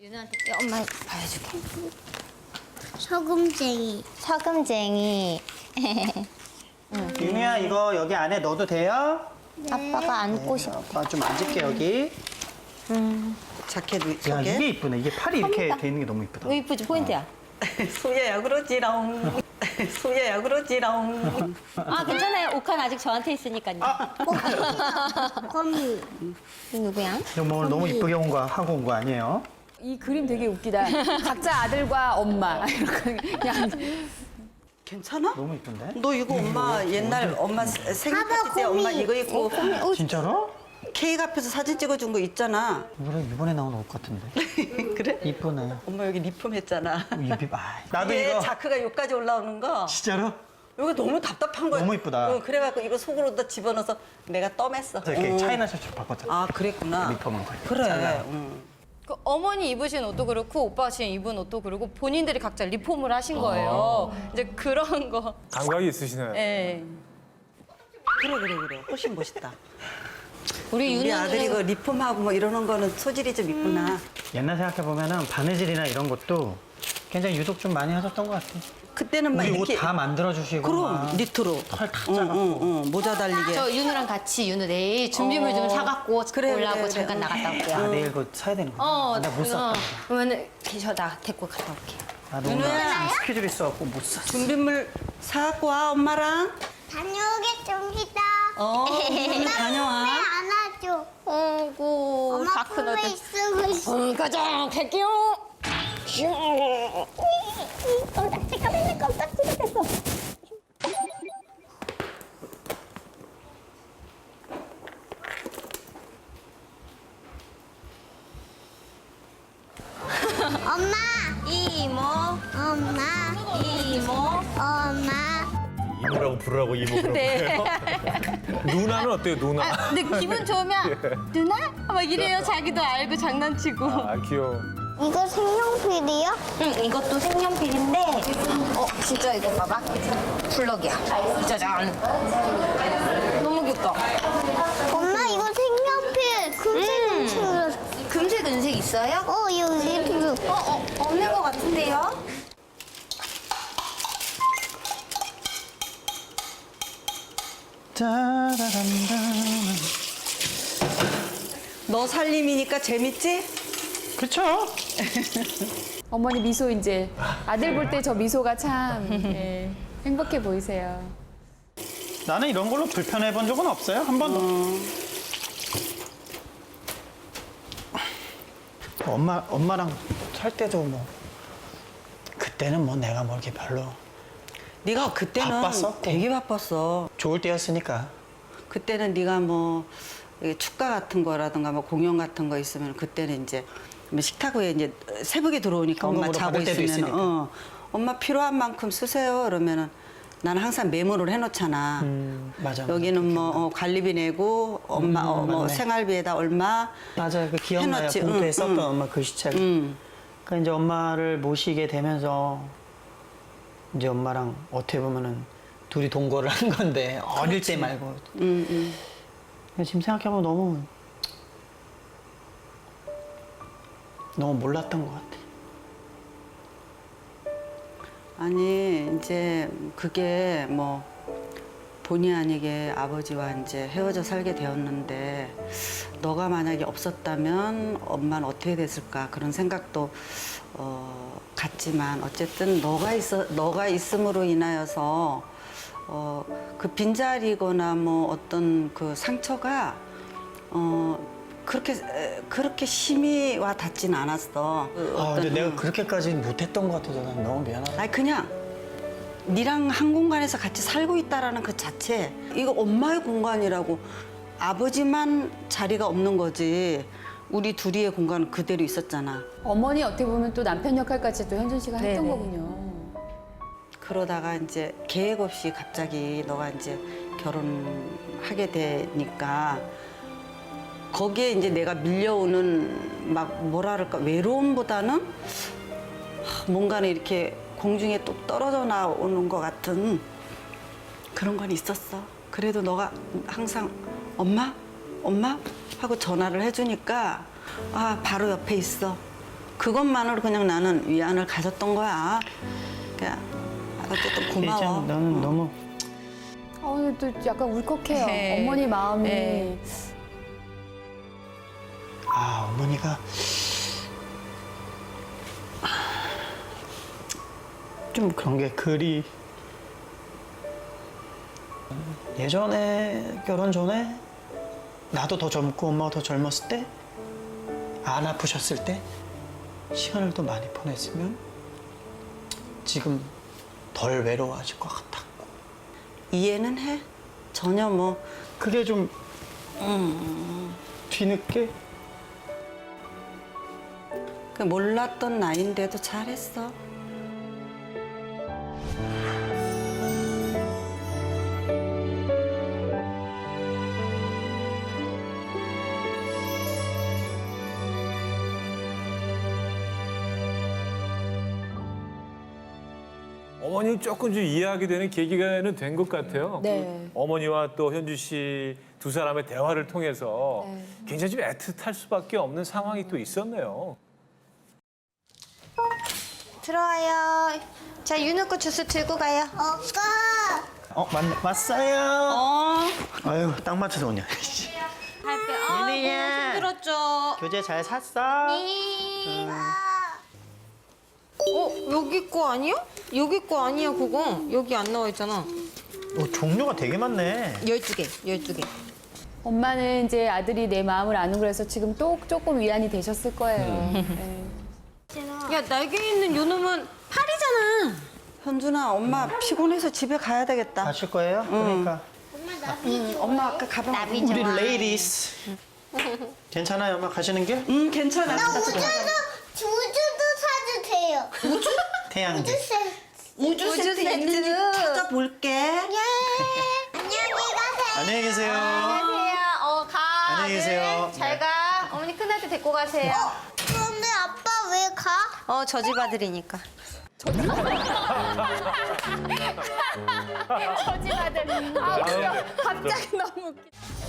윤우한테 엄마 봐줄게. 소금쟁이. 서금쟁이. 유미야 이거 여기 안에 넣어도 돼요? 아빠가 안고 싶어. 아빠 좀 앉을게 여기. 자켓 야 속에 이게 이쁘네. 이게 팔이 이렇게 돼 있는 게 너무 이쁘다. 왜 이쁘지? 포인트야. 소야야 그러지롱. 소야야 그러지롱. 아 괜찮아요. 옷칸 아직 저한테 있으니까요. 거미. 누구야? 이거 뭐 오늘 너무 이쁘게 하고 온 거 아니에요? 이 그림 되게 웃기다. 각자 아들과 엄마. 이렇게 그냥 괜찮아? 너무 이쁜데? 너 이거 엄마 옛날 엄마 생일 파티 때 엄마 이거 입고 진짜로? 케이크 앞에서 사진 찍어준 거 있잖아. 이번에 나온 옷 같은데. 그래? 이쁘네. 엄마 여기 리폼 했잖아. 나도 이게 이거. 자크가 여기까지 올라오는 거. 진짜로? 이거 너무 답답한 거야. 너무 이쁘다. 그래갖고 이거 속으로다 집어넣어서 내가 떠맸어. 이렇게 차이나 셔츠로 바꿨잖아. 아 그랬구나. 리폼한 거. 그래. 그 어머니 입으신 옷도 그렇고 오빠가 지금 입은 옷도 그렇고 본인들이 각자 리폼을 하신 거예요. 이제 그런 거. 감각이 있으시네. 예. 그래. 훨씬 멋있다. 우리 우리 아들이 윤우는 이거 리폼하고 뭐 이러는 거는 소질이 좀 있구나. 옛날 생각해 보면은 바느질이나 이런 것도 굉장히 유독 좀 많이 하셨던 것 같아. 그때는 막 우리 이렇게 옷 다 만들어 주시고. 그럼 니트로 털 다 짜갖고. 모자 달리게. 저 윤우랑 같이 윤우 내일 준비물 좀 사갖고 그래, 올라고 그래, 잠깐 그래. 나갔다 올게요. 아 내일 그거 사야 되는 거야. 내가 못 샀다. 그러면은 나 데리고 갔다 올게. 아 너무 윤호야. 스케줄 있어갖고 못 샀어. 준비물 사갖고 와 엄마랑. 다녀오겠습니다. 오늘 다녀와. 안아줘. 어구 엄마 다 큰 품에 어들. 있으고 있어. 가자 갈게요. 잠깐만 깜짝이야 됐어. 엄마, 이모 엄마, 이모. 엄마. 이모라고 부르라고 이모 그런 네. 거예요? 누나는 어때요, 누나? 근데 기분 좋으면 누나? 막 이래요. 자기도 알고 장난치고. 아, 귀여워. 이거 색연필이야? 응 이것도 색연필인데 진짜 이거 봐봐 플럭이야 짜잔 너무 귀엽다. 엄마 이거 색연필 금색 금색 은색 있어요? 여기 블루. 없는 것 같은데요? 짜라란다. 너 살림이니까 재밌지? 그쵸? 어머니 미소 이제 아들 볼 때 저 미소가 참 예, 행복해 보이세요. 나는 이런 걸로 불편해 본 적은 없어요. 한 번도. 엄마랑 살 때도 뭐 그때는 뭐 내가 뭐 이렇게 별로 네가 그때는 바빴어? 되게 바빴어. 좋을 때였으니까. 그때는 네가 뭐 이게 축가 같은 거라든가 뭐 공연 같은 거 있으면 그때는 이제 뭐 식탁 위에 이제 새벽에 들어오니까 엄마 현금으로 자고 받을 때도 있으면 있으니까. 엄마 필요한 만큼 쓰세요 그러면은 나는 항상 메모를 해놓잖아. 맞아. 여기는 뭐 관리비 내고 엄마 뭐 맞네. 생활비에다 얼마 맞아요. 그 기억나요. 해놨지. 봉투에 응, 썼던 응. 엄마 글씨책. 음. 그러니까 이제 엄마를 모시게 되면서 이제 엄마랑 어떻게 보면은 둘이 동거를 한 건데 어릴 때 말고. 지금 생각해보면 너무 몰랐던 것 같아. 아니 이제 그게 뭐 본의 아니게 아버지와 이제 헤어져 살게 되었는데 너가 만약에 없었다면 엄마는 어떻게 됐을까 그런 생각도 갔지만 어쨌든 너가 있음으로 인하여서 그 빈자리거나 뭐 어떤 그 상처가 그렇게 심히 와 닿진 않았어. 근데 내가 그렇게까지 못했던 것 같아서 난 너무 미안하다. 아니 그냥 니랑 한 공간에서 같이 살고 있다라는 그 자체 이거 엄마의 공간이라고 아버지만 자리가 없는 거지 우리 둘이의 공간은 그대로 있었잖아. 어머니 어떻게 보면 또 남편 역할까지 또 현준 씨가 했던 네네. 거군요. 그러다가 이제 계획 없이 갑자기 너가 이제 결혼하게 되니까 거기에 이제 내가 밀려오는 막 뭐라 그럴까 외로움보다는 뭔가는 이렇게 공중에 뚝 떨어져 나오는 것 같은 그런 건 있었어. 그래도 너가 항상 엄마? 엄마? 하고 전화를 해주니까 아 바로 옆에 있어. 그것만으로 그냥 나는 위안을 가졌던 거야. 그냥 어쨌든 고마워. 참 나는 너무 오늘 또 약간 울컥해요. 네. 어머니 마음이. 네. 어머니가 좀 그런 게 그리 예전에 결혼 전에 나도 더 젊고 엄마가 더 젊었을 때 안 아프셨을 때 시간을 더 많이 보냈으면 지금 덜 외로워하실 것 같아. 이해는 해. 전혀 뭐 그게 좀 뒤늦게 그 몰랐던 나이인데도 잘했어. 어머님 조금 좀 이해하게 되는 계기가는 된 것 같아요. 네. 어머니와 또 현주 씨 두 사람의 대화를 통해서 굉장히 좀 애틋할 수밖에 없는 상황이 또 있었네요. 들어와요. 자, 윤우거 주스 들고 가요. 오빠. 왔어요. 아유 딱 맞춰서 오냐. 할게. 윤희야. 힘들었죠. 교재 잘 샀어? 여기 거 아니야? 여기 거 아니야, 그거. 여기 안 나와 있잖아. 종류가 되게 많네. 12개, 12개. 엄마는 이제 아들이 내 마음을 아는 거라서 지금 또 조금 위안이 되셨을 거예요. 네. 야, 날개 있는 요놈은 팔이잖아. 현준아, 엄마 피곤해서 집에 가야 되겠다. 가실 거예요? 그러니까 엄마 아까 가방. 우리 레이디스 괜찮아요, 엄마 가시는 길? 괜찮아. 우주도 사도 돼요. 태양지. 우주 세트 있는지 찾아볼게. 예. 안녕히 가세요. 안녕히 계세요. 안녕하세요. 가. 안녕히 계세요. 아들. 잘 가. 어머니 큰아들 데리고 가세요. 근데 아빠 왜 가? 저 집 아들이니까. 저집 아들. 아, 웃겨. 갑자기 너무 웃겨.